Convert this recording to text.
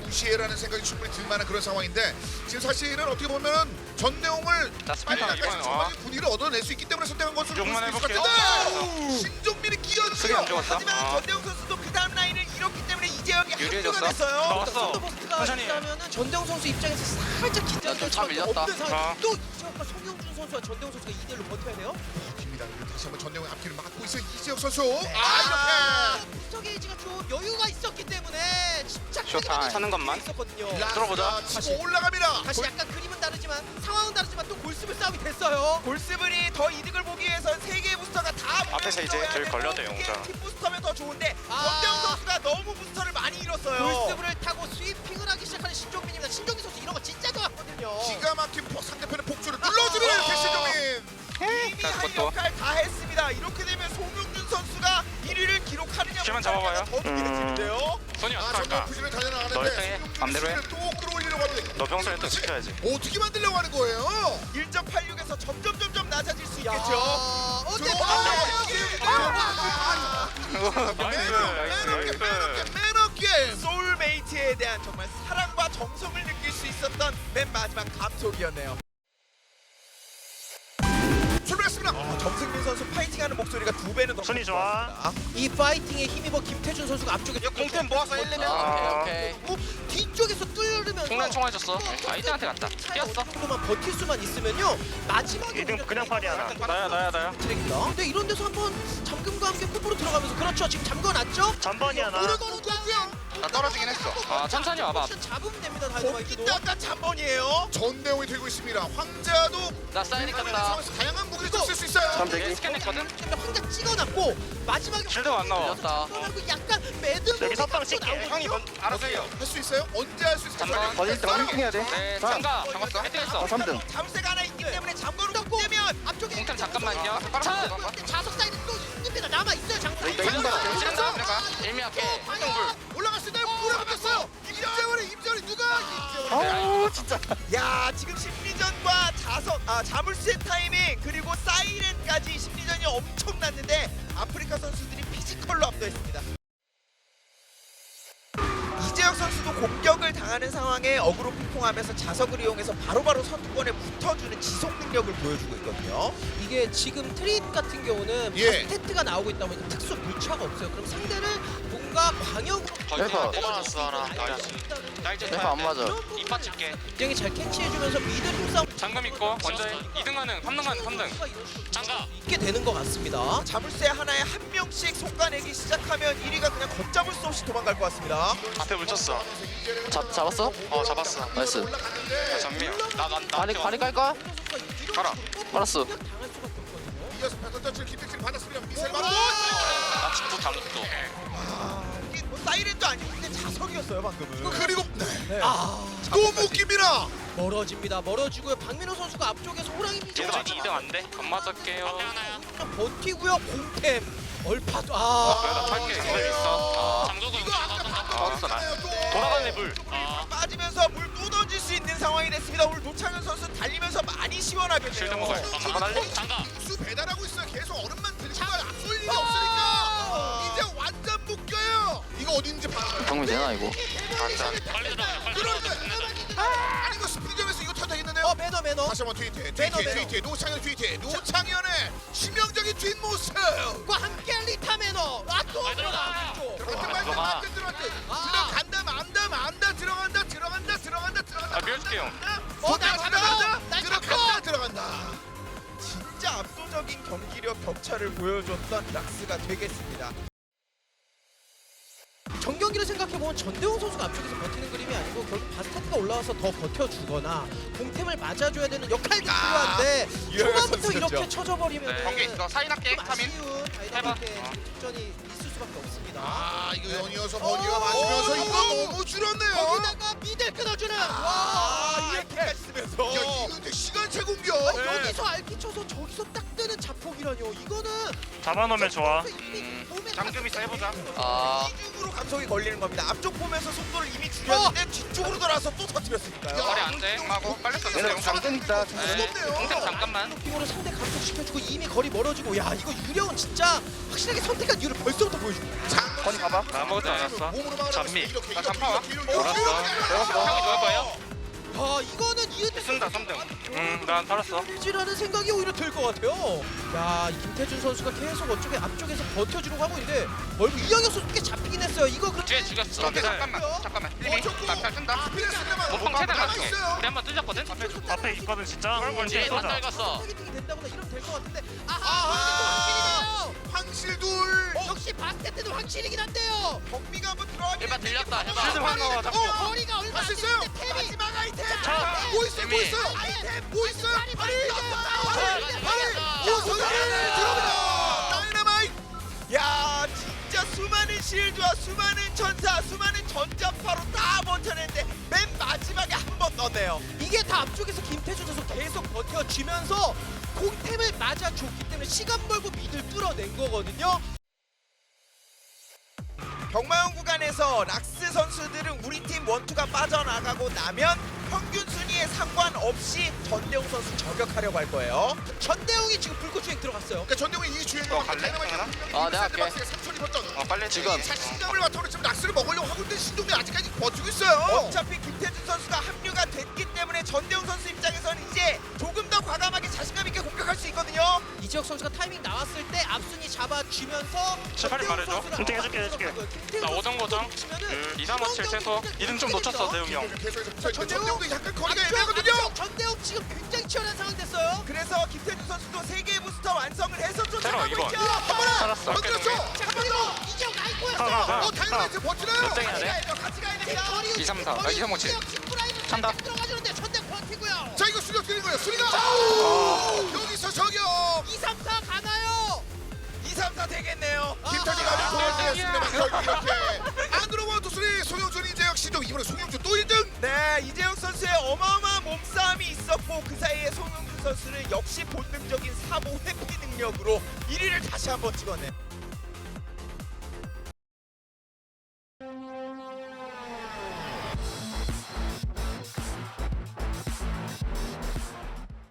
무시해라는 생각이 충분히 들 만한 그런 상황인데 지금 사실은 어떻게 보면은 전내용을 자, 빨리 스피드 나가서 전반적인 분위기를 얻어낼 수 있기 때문에 선택한 것으로 볼 욕만 수 있을 것 해볼게요. 같은데 신종민이 수비 끼어들어요. 안 좋았어. 하지만 전대웅 선수도 그 다음 라인을 잃었기 때문에 이재혁이 유리해졌어. 합류가 됐어요. 나왔어. 버스트가 천천히 해. 있다면은 전대웅 선수 입장에서 살짝 긴장될 참 수밖에 밀렸다. 없는 상황. 어. 또 이재혁과 송영준 선수와 전대웅 선수가 2대1로 버텨야 돼요. 입니다. 다시 한번 전내용의 앞길을 막고 있어요 이재혁 선수. 부스터 게이지가 좀 여유가 있었기 때문에 쇼타임. 침착하게 차는 것만. 있었거든요. 이렇게 들어보자. 치고 올라갑니다. 다시 약간 그림은 다르지만 상황은 다르지만 또 골스불 싸움이 됐어요. 골스블이 더 이득을 보기 위해서 세 개의 부스터가 다 앞에서 이제 들 걸려도 용자. 팀 부스터면 더 좋은데 아. 전대웅 선수가 너무 부스터를 많이 잃었어요. 골스불을 타고 스위핑을 하기 시작하는 신종민입니다. 신종민 선수 이런 거 진짜 좋아하거든요. 기가 막힌 상대편의 복수를 눌러주는 이렇게 신종민. 이미 자, 할 그것도. 역할 다 했습니다. 이렇게 되면 송영준 선수가 1위를 기록하느냐 시간 못하느냐가 잡아봐요. 더 중요해지는데요. 손이 전면 어떡할까? 부진을 너 달려나가는데 일등해. 맘대로 해. 또 끌어올리려고 하는데 너 평소에 또 지켜야지. 어떻게 만들려고 하는 거예요? 1.86에서 점점 낮아질 수 야, 있겠죠. 어때? 맨업게임. 소울메이트에 대한 정말 사랑과 정성을 느낄 수 있었던 맨 마지막 감속이었네요. 출발했습니다. 정승민 선수 파이팅하는 목소리가 2배는 더 손이 좋아. 컸습니다. 이 파이팅에 힘입어 김태준 선수가 앞쪽에 공템 모아서 1레벨. 오케이. 뒤쪽에서 뚫으면서 총난 총알졌어. 아이들한테 갔다. 뛰었어. 정도만 버틸 수만 있으면요 마지막에 이등 그냥 팔이야. 나야. 트랙이다. 근데 이런 데서 한번 잠금과 함께 콤보로 들어가면서 그렇죠. 지금 잠궈놨죠. 전번이야 나. 오르거는 거고요. 나 떨어지긴 했어. 아 천천히 와봐. 잡으면 됩니다. 다이너마이트도. 약간 잠번이에요. 전대웅이 들고 있습니다. 황자도 나 사이닉 갔다. 상황에서 다양한 무기를 쓸 수 있어요. 내가 스캔했거든. 혼자 찍어놨고 마지막에 실드가 안 나와. 밀렸다. 찍어놨고 약간 매듭 여기 선빵 찍게. 형이 알아서 해요. 할 수 있어요? 언제 할 수 있어요? 잠깐. 빠르게. 해야 돼. 네 잠가. 잠갔어. 헤딩했어. 3등. 잠새가 하나 있기 때문에 잠궈를 못 되면 앞쪽에 공템 잠깐만요. 차. 자석 사이드 또 있습니다. 남아 있어요. 장사. 지른다. 내가 일미할게. 올라갈 수 있나요? 물어봤어요. 임재원이 누가? 아우 야 지금 심리전과 자물쇠 타이밍 그리고 사이렌까지 심리전이 엄청났는데 아프리카 선수들이 피지컬로 압도했습니다. 이재혁 선수도 공격을 당하는 상황에 어그로 핑퐁하면서 자석을 이용해서 바로바로 선두권에 붙어주는 지속 능력을 보여주고 있거든요. 이게 지금 트릿 같은 경우는 예. 스태트가 나오고 있다 보니까 특수 물차가 없어요. 그럼 상대를 뭔가 방역으로 대파. 뽑아놨어, 하나. 대파 안 맞아. 이빠 칠게. 굉장히 잘 캐치해주면서 미드 힘싸움 잠금 있고 먼저 2등 가는 3등 가는 3등. 장가 있게 되는 것 같습니다. 자물쇠 하나에 한 명씩 솎아내기 시작하면 1위가 그냥 걷잡을 수 없이 도망갈 것 같습니다. 앞에 물쳤어. 잡았어? 잡았어. 나이스. 전미야. 나. 발이 깔까? 가라. 알았어. 당할 수밖에 없거든요. 이어서 패턴 터치를 김택진 받았습니다. 미셀 받고. 나 집도 당도. 이게 뭐 사이렌도 아니고 근데 자석이었어요 방금은. 그리고 아 또 묶입니다. 멀어집니다. 멀어지고요. 박민호 선수가 앞쪽에서 호랑이 미소 얘도 2등 안 돼? 건 맞을게요. 버티고요. 공템 얼파도 나 탈게. 그대 있어. 이거 아까 없어, 나. 또. 돌아가네 물. 빠지면서 물 또 던질 수 있는 상황이 됐습니다. 오늘 노창현 선수 달리면서 많이 실드 시원하겠네요. 먹어요. 잠깐 할래? 수 배달하고 있어요. 계속 얼음만 들고 가요. 쏠 일이 없으니까 이제 완전 묶여요. 이거 어디 있는지 봐. 정리 되나 이거? 빨리 들어가. 그런데 아니 이거 스피드점에서 이거 타다 했는데요. 매너 다시 한번 트위트에 매너. 노창현 트위트에 노창현의 치명적인 뒷모습. 과 함께 리타 매너. 아또 들어가. 들어간다 아, 밀어줄게요. 들어간다. 진짜 압도적인 경기력 격차를 보여줬던 락스가 되겠습니다. 정경기를 생각해보면 전대웅 선수가 앞쪽에서 버티는 그림이 아니고 결국 바스타트가 올라와서 더 버텨주거나 공템을 맞아줘야 되는 역할이 필요한데 유효한 초반부터 선수였죠. 이렇게 쳐져버리면 네. 경기 있어. 사인할게. 좀 3인. 아쉬운 다이나믹의 직전이 있을 수밖에 없습니다. 아 이거 연이어서 버니가 맞으면서 이거 너무 줄었네요. 거기다가 미들 끊어주는 와 이렇게까지 쓰면서 야 이거 근데 시간차 공격. 여기서 알키 쳐서 저기서 딱 뜨는 자폭이라뇨. 이거는 잡아놓으면 좋아. 몸에 잠금 있어 해보자. 아 이중으로 감속이 걸리는 겁니다. 앞쪽 보면서 속도를 이미 줄였는데 뒤쪽으로 돌아서 또 터뜨렸으니까요. 머리 안 돼. 하고 빨리 써. 얘네 잠금 있다. 무섭네요. 공템 잠깐만. 핑으로 상대 감속시켜주고 이미 거리 멀어지고 야 이거 유령은 진짜 확실하게 선택한 이유를 벌써부터 보여줍니다. 건이 가봐. 아무것도 안 왔어. 잔미. 나 잔파와. 몰았어. 형이 좋을 거예요? 야 이거는 이은태 쓴다 3등. 난 팔았어. 지라는 생각이 오히려 들 것 같아요. 야, 이 김태준 선수가 계속 어쪽에 앞쪽에서 버텨주려고 하고 있는데 얼굴 이영혁 선수 꽤 잡히긴 했어요. 이거 그렇게 뒤에 죽였어. 잠깐만. 힐미. 나팔 쓴다. 몸빵 최대 맞게. 우리 한번 뚫렸거든. 앞에 있거든 진짜. 뒤에 다 읽었어. 타겟팅이 된다거나 이러면 될 것 같은데 아하! 황실둘. 역시 박태태도 확실이긴 한데요. 경비가 한번 들어가긴 해봐 들렸다. 해봐. 실드 하나 나와. 거리가 얼마 안 할수 있어요. 되는데 템이 마지막 아이템. 뭐 있어? 뭐 있어? 아이템 뭐 있어? 발이 오, 선수를 들어옵니다. 다이너마이트. 야 진짜 수많은 실드와 수많은 전사 수많은 전자파로 다 버텨냈는데 맨 마지막에 한 번 넣네요. 이게 다 앞쪽에서 김태준 선수 계속 버텨주면서 공템을 맞아줬기 때문에 시간 벌고 미들 뚫어낸 거거든요. 경마용 구간에서 락스 선수들은 우리 팀 원투가 빠져나가고 나면 평균 순위에 상관없이 전대웅 선수 저격하려고 할 거예요. 전대웅이 지금 불꽃주행 들어갔어요. 그러니까 전대웅이 이 주인공 갈래? 내가 할게. 3초 입었던. 빨리 지금. 자신감을 바탕으로 지금 락스를 먹으려고 하고 있는데 신동민 아직까지 버티고 있어요. 어차피 김태준 선수가 합류가 됐기 때문에 전대웅 선수 입장에서는 이제 조금 더 과감하게 자신감 있게 공격할 수 있거든요. 이지혁 선수가 타이밍 나왔을 때 앞순위 잡아주면서 제발 말해줘. 해줄게. 나 5등 고정. 2, 3, 5, 7 최소. 2등 좀 놓쳤어 대웅이 형. 계속해서 전대웅? 전대웅도 약간 거리가 애매하거든요. 전대웅 지금 굉장히 치열한 상황 됐어요. 그래서 김태준 선수도 3개의 부스터 완성을 해서 테러 쫓아가고 이번. 있죠. 살았어. 건드렸죠. 잠깐만요. 이지혁 나이코였어요. 다이너마이트 버티나요? 몇 등이야 돼? 같이 가야 됩니다. 2, 3, 4. 2, 3, 5, 7. 찬다. 들어가주는데 전대 버티고요. 자 이거 수력 드리는 거예요. 수리가 여기서 저격. 2, 3, 4 가나요? 2, 3, 4 되겠네요. 김태진가 도와주겠습니다만 결국 이렇게 안으로 원투 수리 송영준 이재혁 시동 이번에 송영준 또 1등. 네, 이재영 선수의 어마어마한 몸싸움이 있었고 그 사이에 송영준 선수는 역시 본능적인 사보 회피 능력으로 1위를 다시 한번 찍어내.